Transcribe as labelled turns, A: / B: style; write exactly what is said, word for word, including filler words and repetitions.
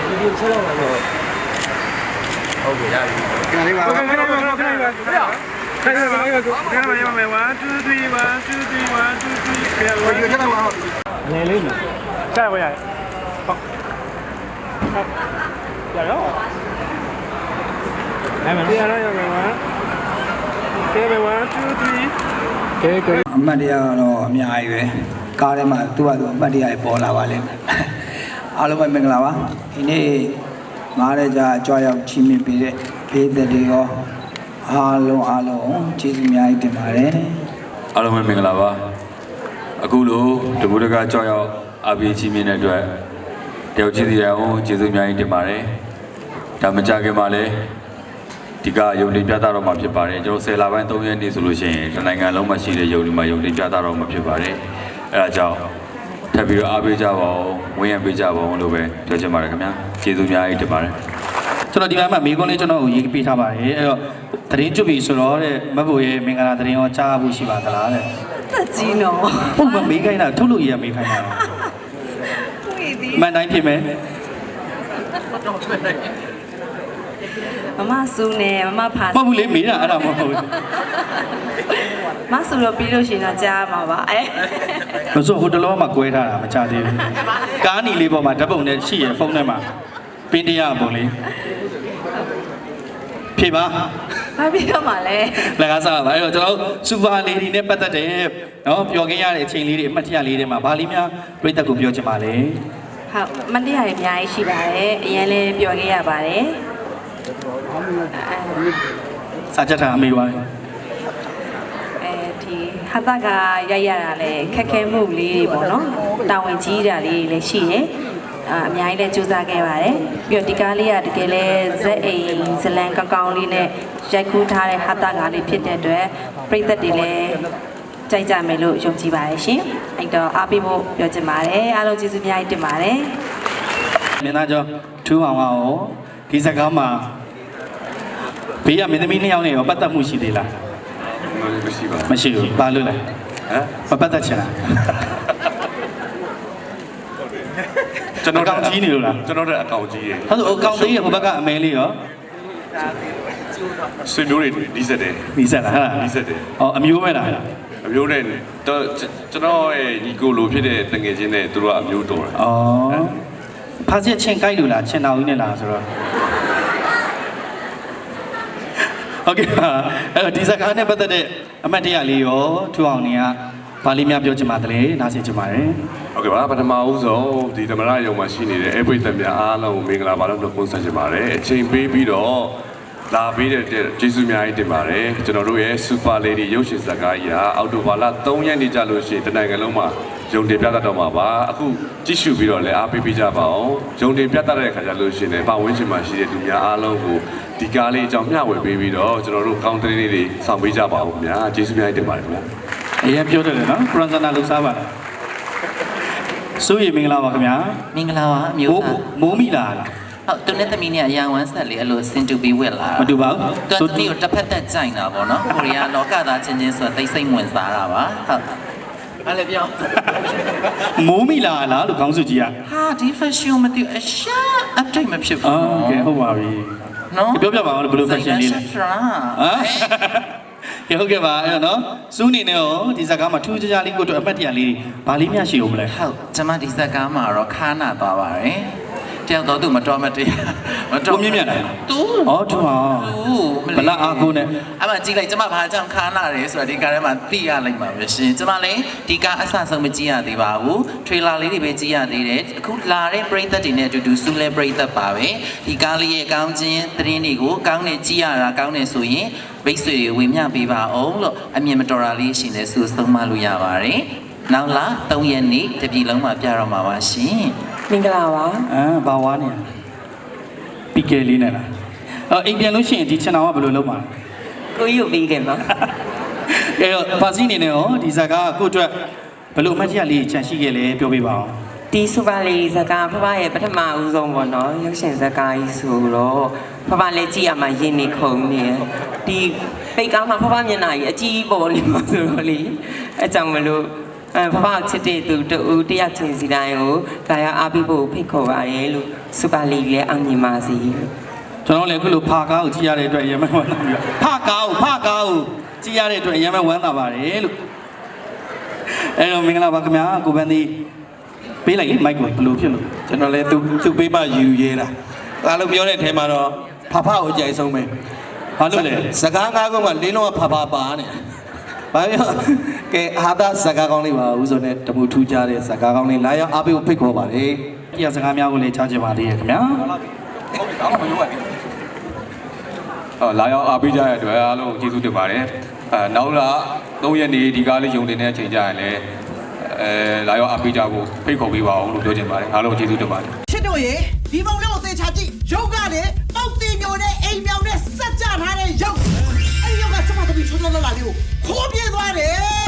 A: ဒီဒီချက်တော့တော့ဟုတ်ကဲ့ရတယ်ခဏလေးပါခဏလေးပါခဏလေးပါခဏလေးပါခဏလေးပါခဏလေးပါone two three one two three one two three ခဏလေးချက်တော့ဟုတ်လေလေးနော်ဆက်ပါရဟုတ်ရရောအဲ့မရရောရပါ ကဲone two three ကဲကဲအမှတ်တရတော့အများကြီးပဲကားထဲမှာသူ့ဟာသူအမှတ်တရပေါ်လာပါလိမ့်မယ်အားလုံးပဲမင်္ဂလာပါဒီနေ့မားတဲ့ကြာကြွားရောက်ချီးမြှင့်ပေးတဲ့ပေးတဲ့တွေရောအားလုံးအားလုံးကျေးဇူးအများကြီးတင်ပါတယ်
B: အားလုံးပဲမင်္ဂလာပါအခုလိုတပူတကကြွားရောက်အားပေးချီးမြှင့်တဲ့အတွက်တယောက်ချင်းစီအောင်ကျေးဇူးအများကြီးတင်ပါတယ်ဒါမကြခင်ပါလေဒီကယုံတင်ပြသတော့မှာဖြစ်ပါတယ်ကျွန်တော်ဆယ်လပိုင်းသုံးရက်နေ့ဆိုလို့ရှိရင်တနိုင်ငံလုံးမှာရှိတဲ့ယုံဒီမှာယုံတင်ပြသတော့မှာဖြစ်ပါတယ်အဲဒါကြောင့်ထပ်ပြီးတော့အားပေးကြပါဦးဝန်းရံပေးကြပါဦးလို့ပဲပြောချင်ပါတယ်ခင်ဗျာကျေးဇူးများကြီးတင်ပါတယ်
C: ကျွန်တော်ဒီမှာမိကုန်းလေးကျွန်တော်ကိုရေးပေးထားပါတယ်အဲ့တော့သတင်းကျွတ်ပြီဆိုတော့တဲ့မဘိုးရဲ့မင်္ဂလာသတင်းရောကြားဖို့ရှိပါသလားတဲ့
D: တက်ကြီးနော်
C: ဟုတ်မမေးခိုင်းတာထုတ်လို့ရမေးခိုင်းတာမှန်တိုင်းဖြစ်မယ်
D: မမဆူနေမမဖာ
C: မဟုတ်ဘူးလေမေးတာအဲ့ဒါမဟုတ်ဘူး
D: မဆူတော့ပြီးလို့ရှိရင်တော့ကြားမှာပါအဲ
C: မဆိုဟိုတလောမှာကွဲထားတာမချသေးဘူးကားနီလေးပေါ်မှာဓာတ်ပုံနဲ့ရှိရဖုန်းထဲမှာပင်းတရားပုံလေးဖြေပါ
D: ဘာပြီးတော့မှလဲ
C: လက်ကားစားပါအဲ့တော့ကျွန်တော်စူပါလေဒီနဲ့ပတ်သက်တယ်နော်ပျော်ခင်းရတဲ့အချိန်လေးတွေအမှတ်တရလေးတွေမှာဗာလေးများပြိတ္တကိုပြောချင်ပါလေ
D: ဟုတ်အမှတ်တရတွေအများကြီးရှိပါတယ်အရင်လည်းပျော်ခဲ့ရပါတယ်
C: စာချက်ထားအမေပါလေ
D: အဲဒီဟာတာကရိုက်ရတာလဲခက်ခဲမှုလေးတွေပေါ့နော်တာဝန်ကြီးတာလေးတွေလည်းရှိတယ်အာအများကြီးလည်းစူးစမ်းခဲ့ပါတယ်ပြီးတော့ဒီကားလေးကတကယ်လဲဇက်အိမ်ဇလန်ကောင်းကောင်းလေးနဲ့ရိုက်ကူးထားတဲ့ဟာတာကားလေးဖြစ်တဲ့အတွက်ပရိသတ်တွေလည်းကြိုက်ကြမယ်လို့ယုံကြည်ပါတယ်ရှင်အဲ့တော့အားပေးဖို့ပြောချင်ပါတယ်အားလုံးကျေးဇူးများကြီးတင်ပါတယ်
C: မင်းသားကျော်ထူးအောင်အောင်ဒီစကားမှာဘေးကမင်းသမီးနှစ်ယောက်နဲ့ရောပတ်သက်မှုရှိသေးလား
B: မရှိပါ
C: ဘူးမရှိဘူးဘာလို့လဲဟမ်မပတ်သက်ချင်လား
B: ကျွန်တော်
C: အကောင့်ကြီးနေလို့လား
B: ကျွန်တော်တဲ့အကောင့်ကြီးရေ
C: ဟုတ်ဆိုအကောင့်ကြီးရဟိုဘက်ကအမဲလေးရော
B: ဆွေမျိုးတွေဒီစက်တယ်
C: ဒီစက်လားဟာ
B: ဒီစက်တယ်
C: ဟောအမျိုးပဲလား
B: အမျိုးနဲ့တော့ကျွန်တော်ရဲ့ညီကိုလိုဖြစ်တဲ့တငယ်ချင်းနဲ့သူတို့ကအမျိုးတော်တယ်
C: ဩဖားချက်ချင်းကိုက်လို့လားချင်းတော်ကြီးနဲ့လားဆိုတော့โอเคအဲ့တော့ဒီစကားနဲ့ပတ်သက်တဲ့အမှတ်တရလေးရောထူအောင်နေကဘာလေးများပြောချင်ပါတယ်နားဆင်ချင်ပါတယ်
B: ဟုတ်ကဲ့ပါပထမဦးဆုံးဒီသမရယုံမှာရှိနေတဲ့အဲ့ပိတ်သက်များအားလုံးကိုမင်္ဂလာပါလို့နှုတ်ခွန်းဆက်ချင်ပါတယ်အချိန်ပေးပြီးတော့လာပေးတဲ့ကျေးဇူးများကြီးတင်ပါတယ်ကျွန်တော်တို့ရဲ့ Super Lady ရုပ်ရှင်ဇာတ်ကားကြီးဟာအောက်တိုဘာလသုံးရက်နေ့ကြလို့ရှိရင်တနိုင်ငံလုံးမှာယုံတင်ပြသတော့မှာပါအခုကြည့်ရှုပြီးတော့လည်းအားပေးပေးကြပါအောင်ယုံတင်ပြသတဲ့အခါကျလို့ရှိရင်လည်းပတ်ဝန်းကျင်မှာရှိတဲ့လူများအားလုံးကိုဒီကားလေးအကြောင်းမျှဝေပေးပြီးတော့ကျွန်တော်တို့ကောင်းတဲ့လေးတွေဆောင်ပေးကြပါဦးခင်ဗျာကျေးဇူးများကြီးတင်ပါတယ်ခင်ဗျာ
C: အရင်ပြောတယ်နော်ပရန်ဇနာလှူစားပါစိုးရိမ်မင်္ဂလာပါခင်ဗျာ
E: မင်္ဂလာပါအမျိုးသား
C: မိုးမိလား
E: ဟုတ်သူနဲ့သမီးနဲ့အရာဝမ်းဆက်လေးအဲ့လိုစင်တူပြီးဝက်လာ
C: မတူပါ
E: ဘူးသူသမီးကိုတစ်ဖက်သက်ကြိုင်တာပေါ့နော်ကိုရီးယားလောကသားချင်းချင်းဆိုသိစိတ်ဝင်စားတာပါဟုတ်အဲ့လေပြော
C: မိုးမိလားလားလို့ခေါင်းစုကြည့်ရ
E: ဟာဒီ fashion မသိအရှာ update မဖြစ်ဘူး
C: โอเคဟုတ်ပါပြီ
E: နော်
C: ပြောပြပါဦးဘယ်လို fashion လေးလဲဟမ်ကဲဟုတ်ကဲ့ပါအဲ့တော့နော်စူးနေနဲ့ရောဒီဇာတ်ကားမှာထူးခြားခြားလေးကိုတို့အပတ်တရလေးဘာလေးများရှိအောင်မလဲ
E: ဟုတ်ကျွန်မဒီဇာတ်ကားမှာတော့ခါနာသွားပါတယ်တယောက်တော့သူမတော်မတရား
C: မတော်မြင့်မြတ်လား
E: သူ
C: ဩထူအောင်ဘလအားကိုနဲ့
E: အဲ့မှာကြည့်လိုက်ကျွန်မဘာကြောင့်ခါနာတယ်ဆိုတာဒီကားထဲမှာသိရလိုက်ပါပဲရှင်ကျွန်မလည်းဒီကားအဆဆုံးမကြည့်ရသေးပါဘူးထရေလာလေးတွေပဲကြည့်ရသေးတယ်အခုလာတဲ့ပရိသတ်တွေနဲ့အတူတူစူးလဲပရိသတ်ပါပဲဒီကားလေးရဲ့ကောင်းခြင်းသတင်းတွေကိုကောင်းနေကြည့်ရတာကောင်းနေဆိုရင်မိတ်ဆွေတွေဝင်မျှပေးပါအောင်လို့အမြင်မတော်တာလေးရှင်လဲစူးဆုံးမလို့ရပါတယ်နောက်လာသုံးရက်နေ့တပြည်လုံးမှာပြတော့မှာပါရှင်
D: မင်္ဂလာပါ
C: အာဘာဝါနေပီကယ်လေးနဲ့လားအော်အိမ်ပြန်လို့ရှိရင်ဒီချန်တော်ကဘယ်လိုလုပ်မှာ
D: ကိုကြီးကိုပြီးခင်ပါ
C: အဲတော့ပါစီနေနဲ့ရောဒီဇာတ်ကားကိုအတွက်ဘယ်လိုအမှတ်တရလေးချန်ရှိခဲ့လဲပြောပြပါအောင်
D: ဒီစူပါလီဇာတ်ကားဖဖရဲ့ပထမဦးဆုံးပေါ့နော်ရုပ်ရှင်ဇာတ်ကားကြီးဆိုတော့ဖဖလည်းကြည့်ရမှာရင်းနေခုံနေဒီပိတ်ကားမှာဖဖမျက်နှာကြီးအကြီးပေါ်နေမှာဆိုတော့လေအဲကြောင့်မလို့
F: အဲဖဖချစ်တဲ့သူတူတယောက်ချင်းစီတိုင်းကိုဒါရအားပေးဖို့ဖိတ်ခေါ်ပါတယ်လို့စူပါလီလည်းအောင်မြင်ပါစေလို့
C: ကျွန်တော်လည်းအခုလိုဖာကားကိုကြည့်ရတဲ့အတွက်အရင်မှဝမ်းသာပြီဖာကားကိုဖာကားကိုကြည့်ရတဲ့အတွက်အရင်မှဝမ်းသာပါတယ်လို့အဲ့တော့မင်္ဂလာပါခင်ဗျာကိုပန်းသေးပေးလိုက်လေမိုက်ကိုဘယ်လိုဖြစ်လို့
G: ကျွန်တော်လည်းသူသူပေးမှယူရဲတာအားလုံးပြောတဲ့အထဲမှာတော့ဖဖကိုကြိုက်ဆုံးပဲ
C: ဘာလို့လဲ
G: စကားငါးခုမှလင်းလုံးကဖဖပါနေဘာပြောကဲအာသာစကားကောင်းလေးပါဦးဆိုနဲ့တမှုထူးကြတဲ့စကားကောင်းလေးလာရောက်အားပေးဖို့ဖိတ်ခေါ်ပါတယ်
C: တရားစကားများကိုလည်းကြားချင်ပါသေးရဲ့ခင်ဗျာ
B: အော်လာရောက်အားပေးကြတဲ့အတွက်အားလုံးကျေးဇူးတင်ပါတယ်အဲနောက်လာသုံးရက်နေဒီကားလေးယုံတင်တဲ့အချိန်ကြရင်လည်းအဲလာရောက်အားပေးကြဖို့ဖိတ်ခေါ်ပေးပါအောင်လို့ပြောချင်ပါတယ်အားလုံးကျေးဇူးတင်ပါတယ်
H: ချစ်တို့ရေဒီပုံလေးကိုသေချာကြည့်ရုပ်ကလေပေါက်တင်မျိုးနဲ့အိမ်မြောင်နဲ့စက်ကြထားတဲ့ရုပ်အဲ့ဒီရုပ်ကကျမတို့ပြီးချုံချုံလောက်လာလေးကိုခိုးပြေးသွားတယ်